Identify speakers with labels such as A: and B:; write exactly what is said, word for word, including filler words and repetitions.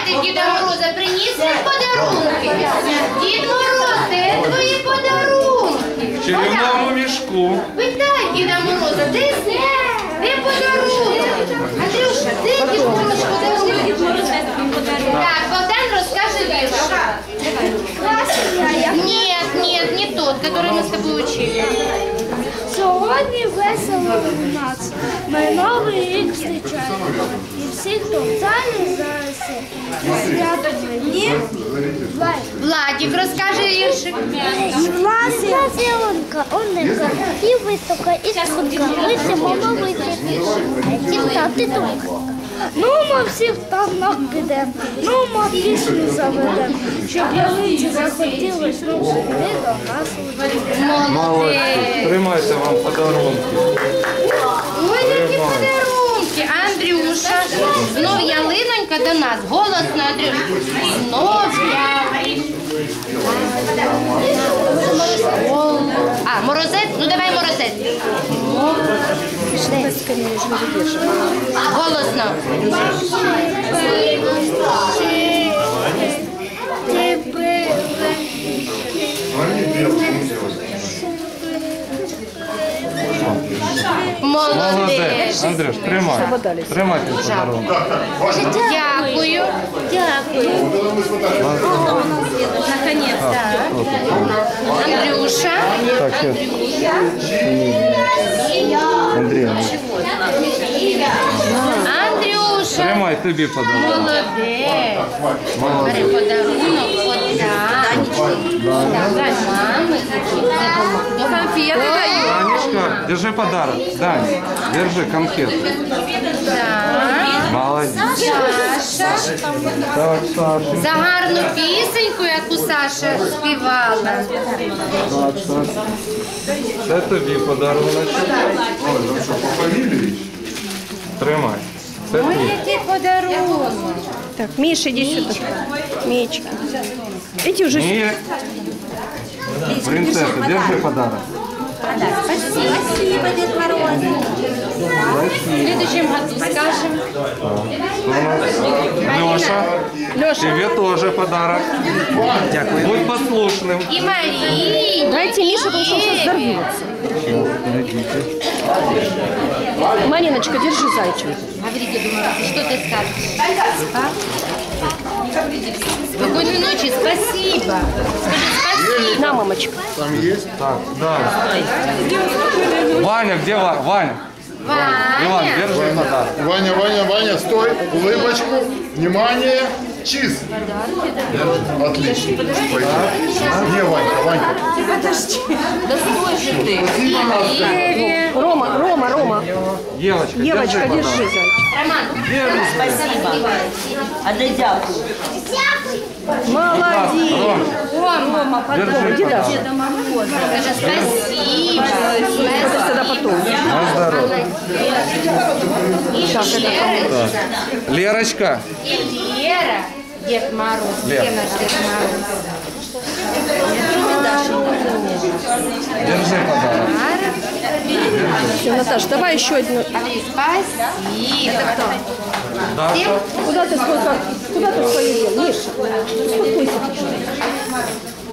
A: ти Діда Мороза приніс подарунки? Дід Мороз, де твої подарунки?
B: В червоному мішку.
A: Питай Діда Мороза, де сніг? Де подарунок? Андрюша, де Дід Мороз подарунок? Так, Богдан розкаже вірш. Нет, нет, не тот, который мы с тобой учили.
C: Сьогодні весело у нас. Ми новий рік зустрічаємо. І всі, хто в залі зараз свято мені.
A: Владик, розкаже віршик.
C: Власна зеленка, оника, і висока, і сходка. Ми всі мама витягти. Тімта, ти тут. Ну, ми всі в танах підемо. Ну, ми пісню заведемо. Щоб ялиці захотілось, ну, сюди до нас.
B: Молодці. Тримайте вам подарунки.
A: Ой, які подарунки. Андрюша, знов ялинонька до нас. Голосно, Андрюша. Знов я. А, морозець? Ну давай морозець. Голосно. Молодець.
B: Андрюш, тримай. Тримайте подарунок.
A: Дякую. Дякую. Наконец-то. Андрюша.
B: Андрій.
A: Андрюша.
B: Тримай тобі подарунок.
A: Молодець. Бери подарунок. Вот так. Давай, мамы. Ну, конфеты даю.
B: Данечка, держи подарок. Даня, держи конфету.
A: Так.
B: Молодець.
A: Саша.
B: Так, Саша.
A: За гарну пісеньку, яку Саша співала.
B: Так, Саша. Це тобі подарунок. Тримай. Це
A: Ой,
B: твій.
A: який подарунок.
D: Так, Миша, иди сюда. Мечка. Иди уже сюда.
B: Ні. Принцесса, держи подарок.
A: Спасибо, Дед Мороз. В следующем году скажем.
B: Леша,
D: Леша,
B: тебе тоже подарок. Дякую. Будь послушным.
A: И Марии.
D: дайте Мише, потому что он сейчас взорвется. Мариночка, держи зайчик.
A: Говори, Дед Мороз, что ты скажешь? А? Спокойной ночи, спасибо. Скажи спасибо.
D: На, мамочка.
E: Там есть?
B: Так, да. Ваня, где Ваня? Ваня? Иван,
A: Ваня.
B: держи подарок.
E: Ваня, Ваня, Ваня, стой, улыбочку, внимание, чиз. Отлично. Пойдем. Не, Ванька, Ванька.
A: Да стой же ты. Еве.
D: Рома, Рома, Рома.
B: Девочка,
D: Девочка,
B: держи
D: держи
B: подарок.
D: зайчик.
A: Роман.
F: Спасибо. А де дякую.
D: Молодец.
B: Рома,
A: Рома.
B: держи
D: Иди
B: подарок.
D: дальше.
A: Скажи спасибо.
D: Это всегда потом.
B: На здоровье.
A: И Лера.
B: Лерочка.
A: И Лера. Дед Мороз. Где
B: Лера.
A: наш Дед Мороз?
B: Держи подарок.
D: Все, Наташа, давай еще одну.
A: Спасибо. Это кто?
B: Даша.
D: Куда ты свой, как- куда ты свою дел, Миша? Успокойся.